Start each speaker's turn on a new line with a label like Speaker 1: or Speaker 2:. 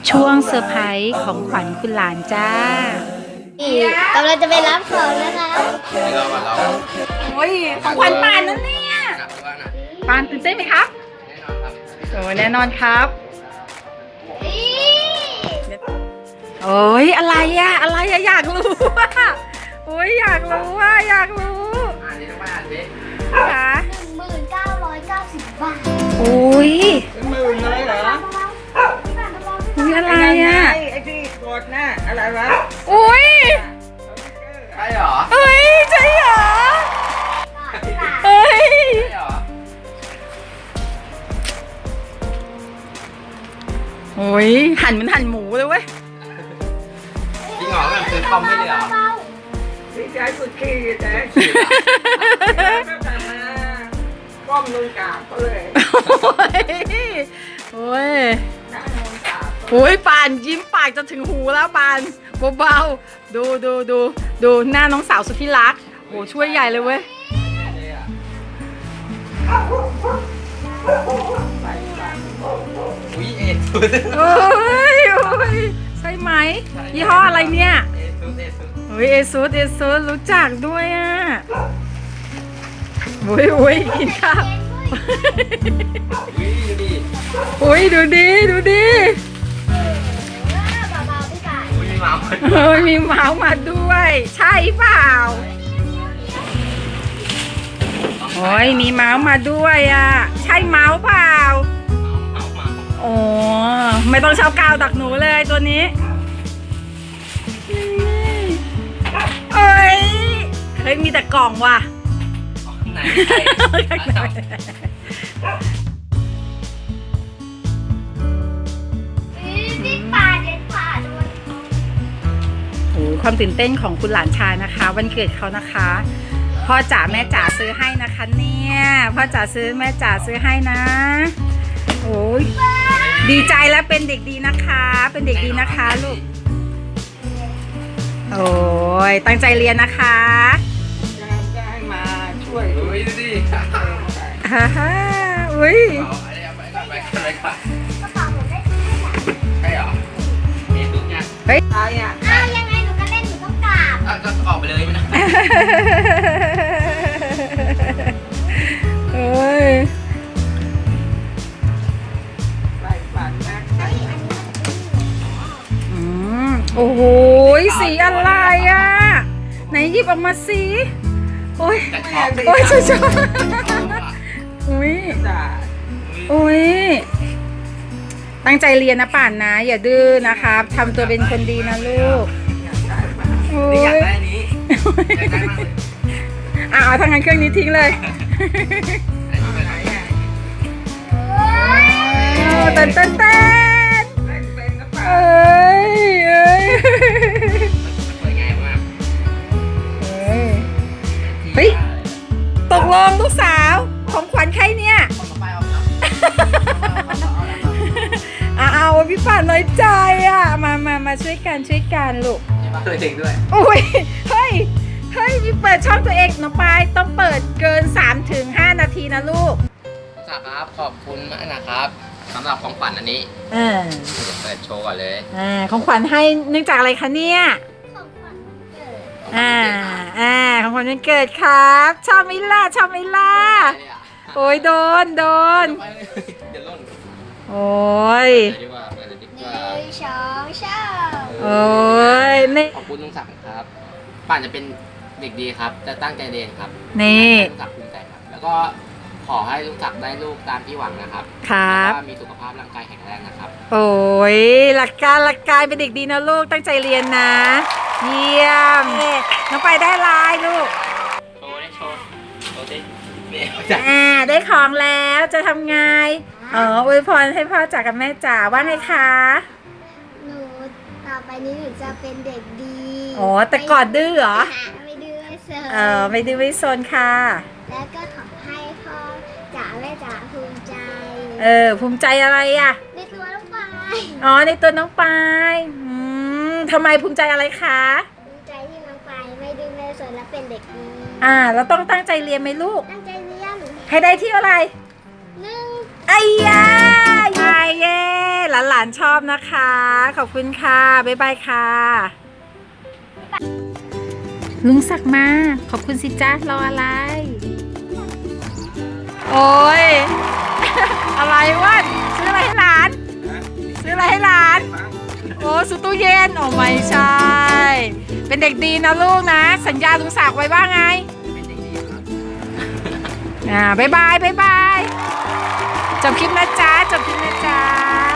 Speaker 1: ช่วงเซอร์ไพรส์ของขวัญคุณหลานจ้าก
Speaker 2: ำลังจะไปรับของนะคะ
Speaker 3: เราก่อนเรา
Speaker 1: โอ้ยของขวัญปานนั่นเนี่ย
Speaker 3: หนักว่าน่ะ
Speaker 1: ปานตื่นเต้นไหมครับ
Speaker 3: แน่นอนครับ
Speaker 1: โอ้แน่นอนครับโอ้ยอะไรอะอะไรอะอยากรู้อะโอ้ยอยากรู้อะอยากรู้
Speaker 3: อ่านนี่ต้องไปอ่านดิ
Speaker 1: ค่ะ
Speaker 2: 1990 บาท
Speaker 1: โอ้ย
Speaker 4: หมื่นเลยเหรอ
Speaker 1: อุ้ยอะไรอะ
Speaker 4: ไอ้ที่กดน่ะอะไรวะ
Speaker 1: อุ้ย
Speaker 3: ใช่เหรอ
Speaker 1: เอ้ยใช่เหรอเอ้ย
Speaker 3: ใช่เหรอ
Speaker 1: โอ้ยหั่นเหมือนหั่นหมูเลยเว้ย
Speaker 3: จริงเหรอแบบซื้อคอมไม่เลยเหรอ
Speaker 4: ดีใจสุดขีดแต่ก็แต่มาก้มลงกราบก็เลย
Speaker 1: โอ้ย
Speaker 4: นั่งลงกราบ
Speaker 1: โอ้ยปานยิ้มปากจะถึงหูแล้วปานเบาๆดูหน้าน้องสาวสุดที่รักโอ้ช่วยใหญ่เลยเว้ย
Speaker 3: อุ้ยเอ็ดสุด
Speaker 1: โอ้ยใช่ไหมยี่ห้ออะไรเนี่ย
Speaker 3: เอ็ดสุดเอ็ดสุด
Speaker 1: เฮ้ยเอซูสรู้จักด้วยอ่ะโอ้ยกินข้าว
Speaker 3: อุ้ยดูดิ
Speaker 1: โอ้ยดูดิ
Speaker 2: เบาๆพี่ป่าย
Speaker 3: อุ้ยมีหมาหมด
Speaker 1: เฮ้ยมีเมาส์มาด้วย ใช่เปล่าโอ้ยมีเมาส์มาด้วยอ่ะใช่เมาส์เปล่า
Speaker 3: เมา
Speaker 1: โอ้ไม่ต้องเช่ากาวดักหนูเลยตัวนี้เอ้ยเฮ้ยมีแต่กล่องว่ะ
Speaker 3: ไหน
Speaker 2: พี่ป่ายเด็ดขาดด้วย
Speaker 1: โอ้ความตื่นเต้นของคุณหลานชายนะคะ วันเกิดเขานะคะพ่อจ๋าแม่จ๋าซื้อให้นะคะเนี่ยพ่อจ๋าซื้อแม่จ๋าซื้อให้นะโอ้ยดีใจแล้วเป็นเด็กดีนะคะ เป็นเด็กดีนะคะลูกโอ้ยตั้งใจเรียนนะคะ
Speaker 4: จะให้มาช่วย
Speaker 3: อุ้ยดูดิ
Speaker 1: ฮ่าฮ่าอุ้ย
Speaker 3: เอาอะไรเอาไปก่อนไปก่อน
Speaker 2: กระเป๋าหนูได้ซื้อให้ค่ะ
Speaker 3: ใช่เหรอเอ็ดสุดเนี่ย
Speaker 4: ตายอ่ะ
Speaker 2: อ้าวยังไงหนูก็เล่นหนูต้องกราบ
Speaker 3: ก็ออกไปเลยไม่ได้
Speaker 1: เอ้ย
Speaker 4: ใส่บาตรนะใส่
Speaker 1: โอ้โหสีอะไรอ่ะไหนหยิบออกมาสิโอ้ย
Speaker 3: แต่ชอบ
Speaker 1: โอ้ยชอบอุ้ย
Speaker 4: จ่า
Speaker 1: อุ้ยตั้งใจเรียนนะป่านนะ อย่าดื้อนะครับทำตัวเป็นคนดีนะลูกโอ้
Speaker 3: นี่อยาก
Speaker 1: ย
Speaker 3: ได้อันนี้อยากได้มากเลย
Speaker 1: เอาทางงานเครื่องนี้ทิ้งเลย
Speaker 3: อันนี้เป็น
Speaker 4: ไหนอ่ะ
Speaker 1: เต้น
Speaker 4: เล่นเป็นกระเป๋า
Speaker 1: เอ้ย
Speaker 3: สวยงามมาก
Speaker 1: เฮ้ยตกลงลูกสาวของขวัญใครเนี่ย
Speaker 3: คนต่อไปเอาครับ
Speaker 1: เอาพี่ป่านน้อยใจอ่ะมาช่วยกันลูก
Speaker 3: ตัวเองด้วย
Speaker 1: โอ้ยเฮ้ยมีเปิดช่องตัวเองน้องปายต้องเปิดเกิน 3-5 นาทีนะลูก
Speaker 3: สาครับขอบคุณมากนะครับสำหรับของขวัญอันนี้
Speaker 1: เออ
Speaker 3: เดี๋ยวเปิดโชว์ก่อนเลย
Speaker 1: ของขวัญให้เนื่องจากอะไรคะเนี่ย
Speaker 2: ของขวัญวันเกิด
Speaker 1: ของขวัญวันเกิดครับชอบไหมล่ะโอ้ยโดน
Speaker 3: เดี๋ยวล่น
Speaker 1: โอ้ย
Speaker 3: เดี๋ยวดีกว่าเปิดเลยดีก
Speaker 2: ห
Speaker 3: ว่า
Speaker 2: นึ่งสองสาม
Speaker 1: โอ้ยนี่
Speaker 3: ขอบคุณลุงศักดิ์ครับป่านจะเป็นเด็กดีครับ จะตั้งใจเรียนครับ
Speaker 1: นี่
Speaker 3: ลุงศักดิ์ภูมิใจครับ แล้วก็ขอให้ลุงศักดิ์ได้ลูกตามที่หวังนะครับ
Speaker 1: ครับ
Speaker 3: แล้วก็มีสุขภาพร่างกายแข็งแรงนะครับ
Speaker 1: โอ้ยหลักการเป็นเด็กดีนะลูกตั้งใจเรียนนะ เยี่ยมน้องไปได้ลายลูก
Speaker 3: โชว์ได้โชว์ดิเนี่ยจ้ะ
Speaker 1: ได้ของแล้วจะทำไงอวยพรให้พ่อจ๋ากับแม่จ๋าว่าไงคะ
Speaker 2: หนูต่อไปนี้หนูจะเป็นเด็กดี
Speaker 1: อ๋อแต่ก่อนดื้อเหรอ
Speaker 2: ไม่ดื้อไม่เซอ
Speaker 1: ไม่ดื้อไม่ซนค่ะ
Speaker 2: แล้วก็ขอให้พ่อจ๋าแม่จ๋าภูมิใจ
Speaker 1: ภูมิใจอะไรอ่ะ
Speaker 2: ในตัวลูกปลาย
Speaker 1: อ๋อในตัวน้องปายทำไมภูมิใจอะไรคะ
Speaker 2: ภูมิใจที่น้องปลายไม่ดื้อไม่ซนและเป็นเด็กดี
Speaker 1: เราต้องตั้งใจเรียนไหมลูก
Speaker 2: ตั้งใจเรียน
Speaker 1: ให้ได้ที่อะไร
Speaker 2: หนึ่ง
Speaker 1: ไอ้ยาเยี่ายเย้หลานๆชอบนะคะ ขอบคุณค่ะ บ๊ายบายค่ะ ลุงศักดิ์มา ขอบคุณสิจ้ารออะไร โอ้ย อะไรวะซื้ออะไรให้หลาน ซื้ออะไรให้หลาน โอ้ซื้อตู้เย็น โอ้ไม่ใช่ เป็นเด็กดีนะลูกนะ สัญญาลุงศักดิ์ไว้ว่าไง
Speaker 3: เป็นเด็กดีครับ
Speaker 1: บ๊ายบาย บ๊ายบาย จบคลิปนะจ๊ะ จบคลิปนะจ๊ะ